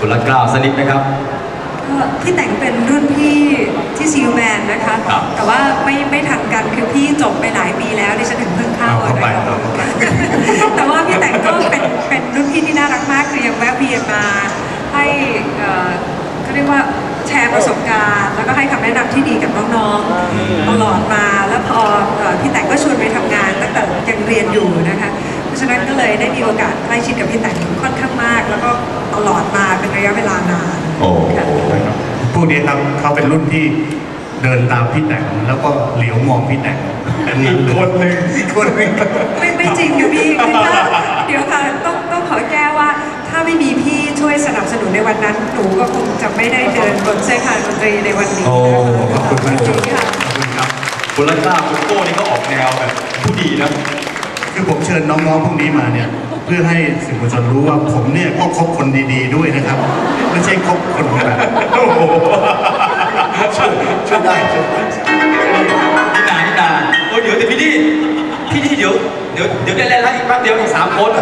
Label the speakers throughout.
Speaker 1: คุณรัตเกล้าสนิทไหมครับ
Speaker 2: พี่แต่งเป็นรุ่นพี่ที่ซีลแมนนะคะแต่ว่าไม่ทันกันคือพี่จบไปหลายปีแล้วดิฉันถึงเพิ่งเข้านะคะแต่ว่าพี่แต่งก็เป็นรุ่นพี่ที่น่ารักมากคือยังแวะเวียนมาให้เขาเรียกว่าแชร์ประสบการณ์แล้วก็ให้คำแนะนำที่ดีกับน้องๆตลอดมาแล้วพอพี่แต่งก็ชวนไปทำงานตั้งแต่ยังเรียนอยู่นะคะเพราะฉะนั้นก็เลยได้มีโอกาสใกล้ชิดกับพี่แต่งค่อนข้างมากแล้วก็ตลอดมาเป็นระยะเวลานาน
Speaker 3: พวกนี้ครับเขาเป็นรุ่นที่เดินตามพี่แต่งแล้วก็เหลียวมองพี่แต่งอีกคนหนึ่ง
Speaker 2: ไม่จริงค่ะพี่เดี๋ยวค่ะต้องขอแก้ว่าถ้าไม่มีพี่ช่วยสนับสนุนในวันนั้นหนูก็คงจะไม่ได้เดินบนเส้นทางดนตรีในวันนี้
Speaker 3: ขอบคุณมาก
Speaker 2: ค่ะ
Speaker 3: ขอบคุณครับ
Speaker 1: คุณรัตเกล้าคุณโก้นี่ก็ออกแนวแบบผู้ดีนะ
Speaker 3: คือผมเชิญน้องๆพวกนี้มาเนี่ยเพื่อให้สื่อมวลชนรู้ว่าผมเนี่ยก็คบคนดีๆด้วยนะครับไม่ใช่คบคนแบบช่วยได้
Speaker 1: นิดาโอ้เดี๋ยวพี่เดี๋ยวได้แล้วอีกแป๊บเดียวอีก3 คน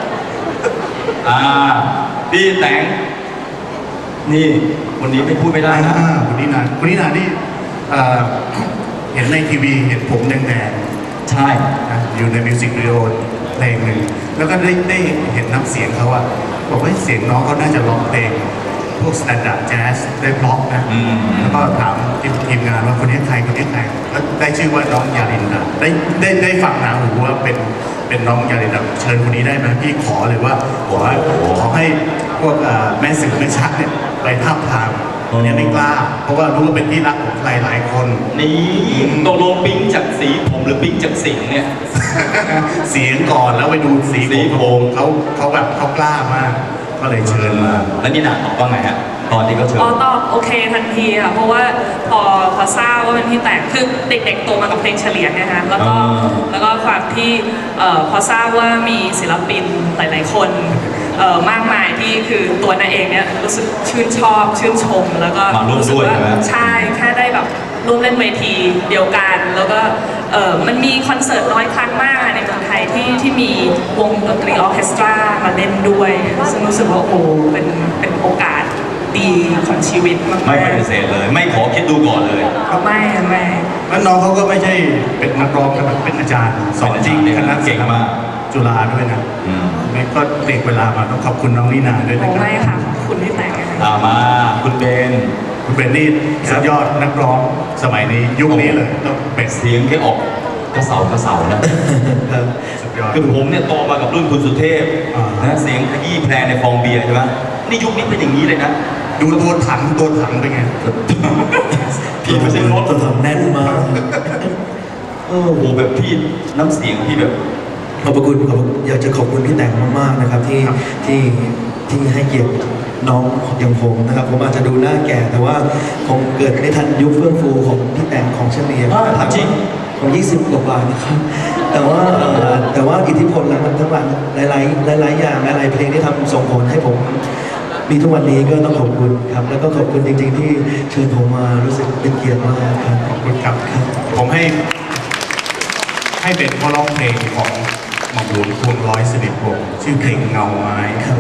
Speaker 1: พี่แต่งนี่คนนี้ไม่พูดไม่ได้นะ
Speaker 3: คุณนินานี่เห็นในทีวีเห็นผมแดง
Speaker 1: ใช่
Speaker 3: อยู่ในมิวสิกวิดีโอเพลงหนึ่งแล้วก็ได้เห็นน้ำเสียงเขาอะบอกว่าเสียงน้องเขาน่าจะร้องเพลงพวกสแตนดาร์ดแจ๊สได้เพราะนะแล้วก็ถามทีมงานว่าคนนี้ใครแล้วได้ชื่อว่าน้องยาลินดาได้ฟังหนาหูว่าเป็นน้องยาลินดาเชิญคนนี้ได้ไหมพี่ขอเลยว่าขอให้พวกแม่สื่อแม่ชักเนี่ยไปทับทางเนี่ยไม่กล้าเพราะว่ารู้ว่าเป็นที่รักของหลายคน
Speaker 1: นี่ตกลงปิ๊งจากสีผมหรือปิ๊งจากเสียงเนี่ย
Speaker 3: เสียงก่อนแล้วไปดูสีผมเขาแบบเขากล้ามากก็เลยเชิญมา
Speaker 1: แล้วนี่นาตอบว่าไงฮะตอนที่เขาเชิญ
Speaker 4: ตอบโอเคทันทีค่ะเพราะว่าพอทราบว่าเป็นพี่แต่งคือเด็กๆโตมากับเพลงเฉลียงนะคะแล้วก็ความที่พอทราบว่ามีศิลปินหลายๆคนมากมายที่คือตัวนาเองเนี่ยรู้สึกชื่นชอบชื่นชมแล้วก็
Speaker 1: รู้สึกว่า
Speaker 4: ใช่แค่ได้แบบร่วมเล่นเวทีเดียวกันแล้วก็มันมีคอนเสิร์ตน้อยครั้งมากในเมืองไทยที่มีวงดนตรีออร์เคสตรามาเล่นด้วยซึ่งรู้สึกว่าโอ้เป็นโอกาสดีของชีวิตมาก
Speaker 1: ไม่ปฏิเสธเลยไม่ขอคิดดูก่อนเลย
Speaker 4: ไม่
Speaker 3: แล้วน้องเขาก็ไม่ใช่เป็นนักร้องแต่เป็นอาจารย์สอนจริงคณะเก่งมากจุฬาด้วยนะก็เด็กเวลามาต้องขอบคุณน้องนินาด้วยนะครับ
Speaker 4: ไม่ค่ะขอบคุณที่แต่ง
Speaker 1: มาคุณเบน
Speaker 3: นี่สุดยอดนักร้องสมัยนี้ยุคนี้เลย
Speaker 1: ต้องเป็นเสียงแค่ออกกระเสานะ
Speaker 3: สุดยอด
Speaker 1: คือผมเนี่ยโตมากับรุ่นคุณสุเทพนะเสียงขยี้แพรในฟองเบียร์ใช่ไหมนี่ยุคนี้เป็นอย่างนี้เลยนะ
Speaker 3: ดูตัวถังเป็นไง
Speaker 1: พี่ไม่ใช่รถ
Speaker 3: ตัวถังแน่นมาก
Speaker 1: โอ้โหแบบพี่น้ำเสียงพี่แบบ
Speaker 5: ขอบคุณอยากจะขอบคุณพี่แต่งมากๆนะครับที่ให้เกียรติน้องอย่างผมนะครับผมอาจจะดูหน้าแก่แต่ว่าผมเกิดไม่ทันยุคเฟื่องฟูของพี่แต่งของเฉลียง
Speaker 1: จริง
Speaker 5: ของ20 กว่านะครับแต่ว่าอิทธิพลหลังทั้งหลังหลายอย่างหลายเพลงที่ทำส่งผลให้ผมมีทุกวันนี้ก็ต้องขอบคุณครับแล้วก็ขอบคุณจริงๆที่เชิญผมมารู้สึกเป็นเกียรติมากครับ
Speaker 3: ขอบคุณครับผมให้เป็นข้อร้องเพลงของหม่อมหลวงพวงร้อยสิริวงศ์ชื่อเพลงเงาไม้
Speaker 5: ครับ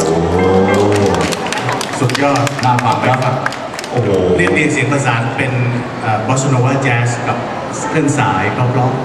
Speaker 3: สุดยอด
Speaker 1: น่าฟังครับ
Speaker 3: โอ้โหเรียนเสียงประสานเป็นบอสโนวาแจ๊สกับเครื่องสายร้อง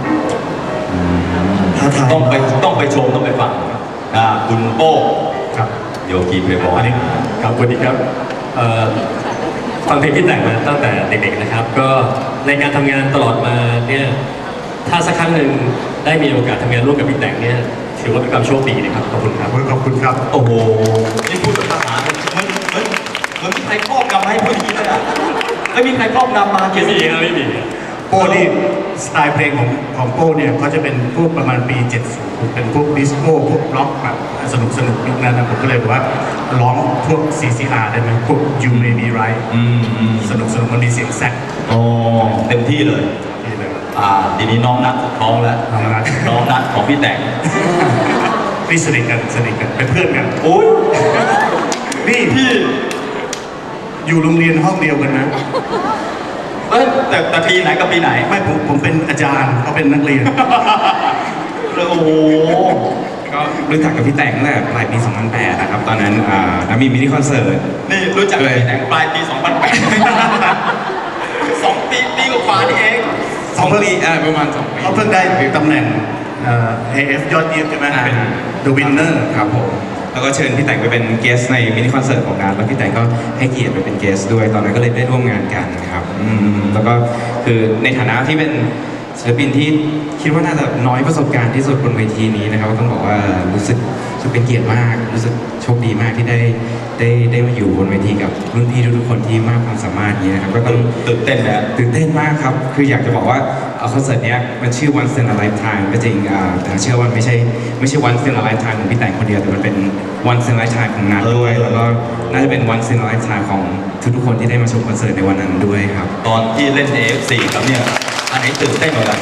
Speaker 1: ต้องไปชมต้องไปฟังคุณโป้
Speaker 3: ครับ
Speaker 1: โยกีเพย์บอย
Speaker 6: ครับสวัสดีครับฟังเพลงที่แต่งมาตั้งแต่เด็กๆนะครับก็ในการทำงานตลอดมาเนี่ยถ้าสักครั้งหนึ่งได้มีโอกาสทำงานร่วมกับพี่แต่งเนี่ยถือว่าเป็นความโชคดีนะครับขอบคุณครับ
Speaker 3: ขอบคุณครับ
Speaker 1: โอ้โหนี่พูดภาษาเหมือนมีใครครอบงำให้พูดอย่างนี้เลยอ่ะไม่มีใครครอบงำมา
Speaker 6: ไม่มี
Speaker 3: โป้นี่สไตล์เพลงของโป้เนี่ยเขาจะเป็นพวกประมาณปี 70เป็นพวกดิสโก้พวกร็อกแบบสนุกยุคนั้นนะผมก็เลยบอกว่าร้องพวก CCR ได้ไหมพวก You May Be Right สนุกมันมีเสียงแซก
Speaker 1: เต็มที่เลยทีนี้น้องนัทท้องแล้วน้องนัทของพี่แต่ง
Speaker 3: นี่สนิทกันเป็นเพื่อนกัน
Speaker 1: โอ้ย
Speaker 3: นี่
Speaker 1: พี่
Speaker 3: อยู่โรงเรียนห้องเดียวกันนะ
Speaker 1: แต่ปีไหนกับปีไหน
Speaker 3: ไม่ผมเป็นอาจารย์เขาเป็นนักเรียน
Speaker 1: โอ้โห
Speaker 7: ก็รู้จักกับพี่แต่งตั้งแต่ปลายปี 2008 นะครับ ตอนนั้นมีมินิคอนเสิร์ต
Speaker 1: นี่รู้จักเลยแต่งปลายปี 2008 2 ปีกว่านี่เอง
Speaker 7: 2 ปีประมาณ 2 ปี
Speaker 3: เขาเพิ่งได้ตำแหน่งAF ยอดเยี่ยมใช่ไหมเป็น The Winner
Speaker 7: ครับผม แล้วก็เชิญพี่แต่งไปเป็นเกสในมินิคอนเสิร์ตของงาน แล้วพี่แต่งก็ให้เกียรติไปเป็นเกสด้วย ตอนนั้นก็เลยได้ร่วมงานกันครับแล้วก็คือในฐานะที่เป็นศิลปินที่คิดว่าน่าจะน้อยประสบการณ์ที่สุดบนเวทีนี้นะครับต้องบอกว่ารู้สึกเป็นเกียรติมาก รู้สึกโชคดีมากที่ได้มาอยู่บนเวทีกับรุ่นพี่ทุกๆคนที่มากความสามารถนี้นะครับก็ต้อง
Speaker 1: ตื่นเต้นนะ
Speaker 7: ตื่นเต้นมากครับ คืออยากจะบอกว่าคอนเสิร์ตเนี้ยมันชื่อ Once in a Lifetime ก็จริงแต่เชื่อว่าไม่ใช่ Once in a Lifetime ของพี่แต่งคนเดียว แต่มันเป็น Once in a Lifetime ของนัทด้วย แล้วก็น่าจะเป็น Once in a Lifetime ของทุกๆคนที่ได้มาชมคอนเสิร์ตในวันนั้นด้วยครับ
Speaker 1: ตอนที่เล่น AF4 ครับเนี่ย อันไหนตื่นเต้นกว่ากัน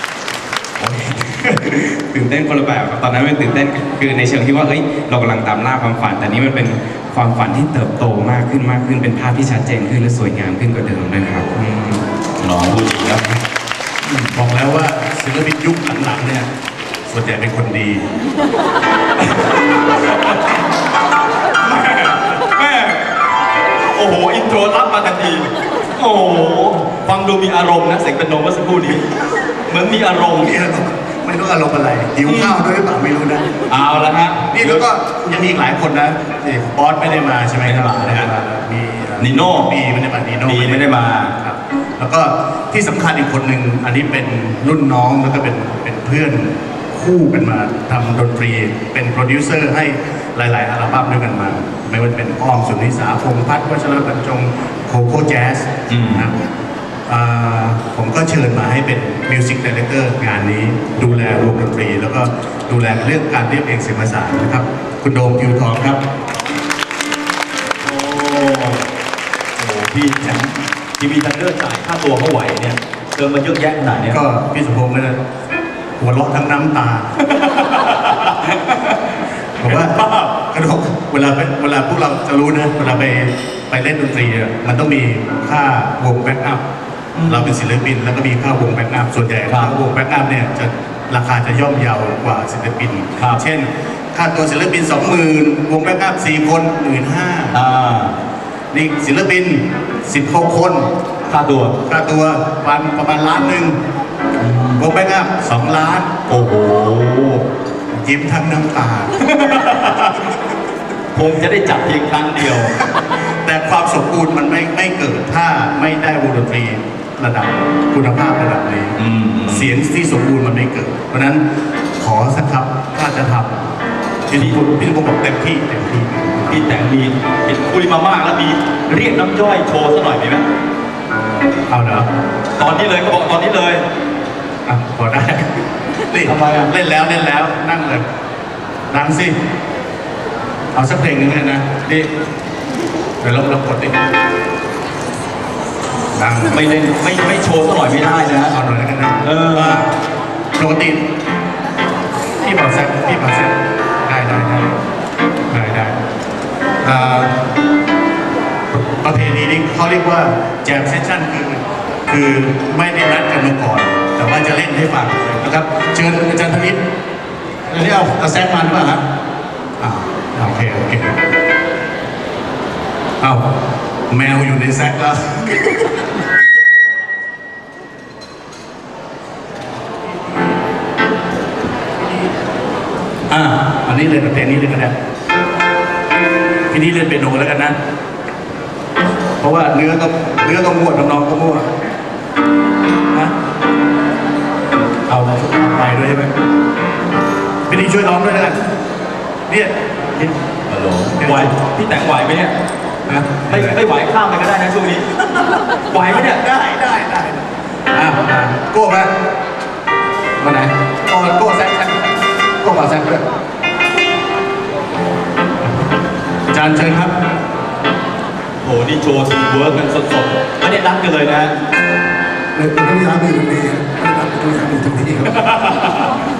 Speaker 7: ตื่นเต้นคนละแบบครับ ตอนนั้นมันตื่นเต้นคือในเชิงที่ว่าเฮ้ยเรากำลังตามล่าความฝัน แต่นี้มันเป็นความฝันที่เติบโตมากขึ้น เป็นภาพที่ชัดเจนขึ้นและสวยงามขึ้นกว่าเดิมด้วยครับ
Speaker 1: น้องพูดดีครับ
Speaker 3: บอกแล้วว่าศิลปินยุคหลังๆเนี่ยส่วนใหญ่เป็นคนดี
Speaker 1: แม่โอ้โห อินโทรรับมาทันที โอ้โห ฟังดูมีอารมณ์นะเสียงเป็นโนเมื่อสักครู่นี้ เหมือนมีอารมณ์
Speaker 3: ไม่รู้อารมณ์อะไรหิวข้าวด้วยหรือเปล่าไม่รู้นะ
Speaker 1: เอาละฮะ
Speaker 3: นี่แล้วก็ยังมีอีกหลายคนนะนี่บอสไม่ได้มาใช่ไหมครับ
Speaker 1: ไม่ได้มานะฮะ
Speaker 3: มี
Speaker 1: นิโน่
Speaker 3: ปีไม่ได้มานีโน่
Speaker 1: ปีไม่ได้มา
Speaker 3: ครับแล้วก็ที่สำคัญอีกคนหนึ่งอันนี้เป็นรุ่นน้องแล้วก็เป็นเพื่อนคู่กันมาทำดนตรีเป็นโปรดิวเซอร์ให้หลายๆอัลบั้มด้วยกันมา ไม่ว่าจะเป็นอ้อมสุนิสาพงษ์พัฒน์วัชรบรรจงโคโค่แจ๊สนะครับผมก็เชิญมาให้เป็นมิวสิกดีเรคเตอร์งานนี้ดูแลวงดนตรี แล้วก็ดูแลเรื่องการเรียบเรียงเสียงประสานนะครับ คุณโดมทิวทองครับ
Speaker 1: โอ้โหพี่แชมป์ทีวีทันเดอร์จ่ายค่าตัวเขาไหวเนี่ยเกินมาเยอะแยะขนาดเนี้ย
Speaker 3: ก็พี่สมพงษ์ก็จะหัวเราะทั้งน้ำตาบอกว่ากระดกเวลาพวกเราจะรู้นะเวลาไปเล่นดนตรีอะมันต้องมีค่าวงแบ็กอัพเราเป็นศิลปินแล้วก็มีค่าวงแบ็กอัพส่วนใหญ่ค่าวงแบ็กอัพเนี่ยจะราคาจะย่อมเยาวกว่าศิลปินเช่นค่าตัวศิลปิน 20,000 วงแบ็กอัพ4 คน 15,000นี่ศิลปิน16 คนค่าตัวประมาณล้านหนึ่งวงแบ็กอัพ2 ล้าน
Speaker 1: โอ้โห
Speaker 3: ยิ้มทั้งน้ำตา
Speaker 1: คงจะได้จับเพียงครั้งเดียว
Speaker 3: แต่ความสมบูรณ์มันไม่เกิดถ้าไม่ได้วงดนตรีระดับคุณภาพระดับนี้ เสียงที่สมบูรณ์มันไม่เกิด เพราะฉะนั้นขอสักครับถ้าจะทำพี่ทุกคนบอกเต็มที่
Speaker 1: พี่แต่งมีเห็นคุยมามากแล้วมีเรียกน้ำย่อยโชว์ซะหน่อยมีไหม
Speaker 3: เอาเหรอ
Speaker 1: ตอนนี้เลยก็บอกตอนนี้เลย
Speaker 3: อ่ะพอได้นี่
Speaker 1: ทำไมอ่ะ
Speaker 3: เล่นแล้วนั่งเลยดังสิเอาสักเพลงหนึ่งเลยนะนี่เดี๋ยวเรากดดิดัง
Speaker 1: ไม่เล่นไม่โชว์ซะหน่อยไม่ได้นะ
Speaker 3: เอาหน่อยแล้วกันนะ ปกติพี่บอกแซกได้ประเพณีนี้เขาเรียกว่าแจมเซสชั่นคือไม่ได้นัดกันมาก่อน แต่ว่าจะเล่นให้ฟังนะครับเชิญอาจารย์ธนิตอันนี้เอาแซกมาหรือเปล่าครับโอเคเอาแมวอยู่ในแซกแล้ว อันนี้เล่นเพลงนี้เลยกันนะพี่นี้เล่นเปียโนแล้วกันนะ เพราะว่าเนื้อก็มั่วทำนองก็มั่วนะเอาไปด้วยใช่ไหมพี่นี้ช่วยร้องด้วยแล้วกันเนี่ย
Speaker 1: ฮัลโหลไหวพี่แต่งไหวไหมเนี่ย
Speaker 3: นะ
Speaker 1: ไม่ไหวข้ามไปก็ได้นะช่วงนี้ ไหวไหมเนี่ย
Speaker 3: ได้โก้มาไหนโก้แซกโก้มาแซกด้วยอาจารย์เชิญครับ
Speaker 1: โหนี่โชว์ทีมเวิร์กกันสดๆไม่ได้นัดกันเลยนะ
Speaker 8: เลยต้องย้ายไปอยู่ตรงนี้ไม่ได้ต้องย้ายไปอยู่ตรงนี้ครับ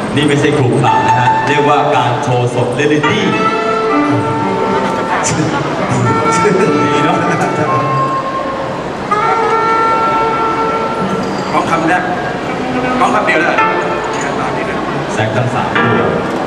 Speaker 1: นี่ไม่ใช่ครูปราบนะฮะ เรียกว่าการโชว์สดเรียลลิตี้ดีเนาะ
Speaker 3: ต้องทำได้ต้องทำเดียวได้
Speaker 1: แซกทั้ง3ตัว